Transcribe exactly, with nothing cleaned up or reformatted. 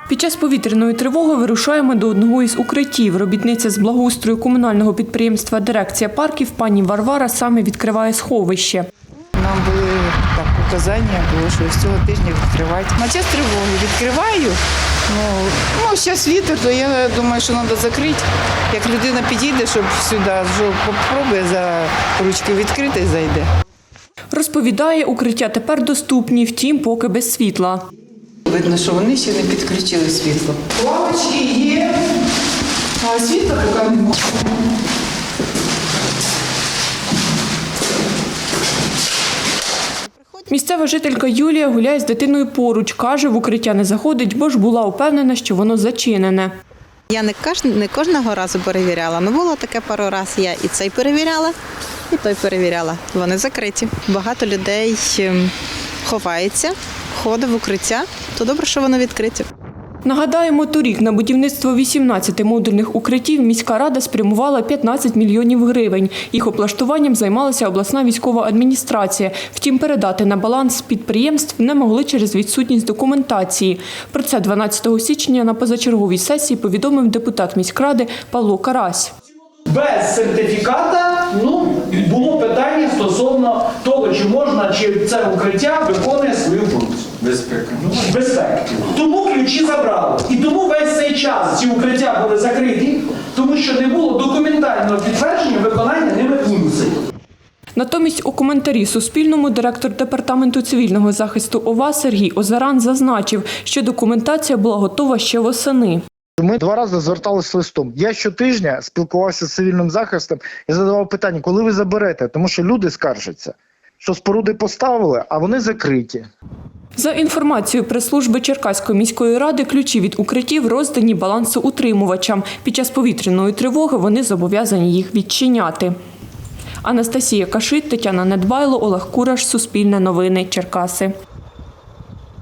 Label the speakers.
Speaker 1: Під час повітряної тривоги вирушаємо до одного із укриттів. Робітниця з благоустрою комунального підприємства «Дирекція парків» пані Варвара саме відкриває сховище.
Speaker 2: Нам були так указання, було, що з цього тижня відкривають. На час тривоги відкриваю. Ну, ну зараз літо, то я думаю, що треба закрити. Як людина підійде, щоб сюди, спробує за ручки відкрити і зайде.
Speaker 1: Розповідає, укриття тепер доступні, втім, поки без світла.
Speaker 2: Видно, що вони ще не підключили світло. Лавочки є, а світла поки немає.
Speaker 1: Місцева жителька Юлія гуляє з дитиною поруч. Каже, в укриття не заходить, бо ж була упевнена, що воно зачинене.
Speaker 3: Я не, кож... не кожного разу перевіряла, але було таке пару разів. Я і цей перевіряла, і той перевіряла. Вони закриті. Багато людей ховається, ходить в укриття, то добре, що воно відкриті.
Speaker 1: Нагадаємо, торік на будівництво вісімнадцяти модульних укриттів міська рада спрямувала п'ятнадцять мільйонів гривень. Їх облаштуванням займалася обласна військова адміністрація. Втім, передати на баланс підприємств не могли через відсутність документації. Про це дванадцятого січня на позачерговій сесії повідомив депутат міськради Павло Карась.
Speaker 4: Без сертифіката ну, було питання стосовно того, чи можна, чи це укриття виконує свою функцію.
Speaker 5: Безпека.
Speaker 4: Безпеки. Тому ключі забрали. І тому весь цей час ці укриття були закриті, тому що не було документального підтвердження виконання ними функцій.
Speaker 1: Натомість у коментарі Суспільному директор департаменту цивільного захисту ОВА Сергій Озаран зазначив, що документація була готова ще восени.
Speaker 6: Ми два рази зверталися листом. Я щотижня спілкувався з цивільним захистом і задавав питання, коли ви заберете, тому що люди скаржаться, що споруди поставили, а вони закриті.
Speaker 1: За інформацією прес-служби Черкаської міської ради, ключі від укриттів роздані балансоутримувачам. Під час повітряної тривоги вони зобов'язані їх відчиняти. Анастасія Кашит, Тетяна Недбайло, Олег Кураш, Суспільне новини, Черкаси.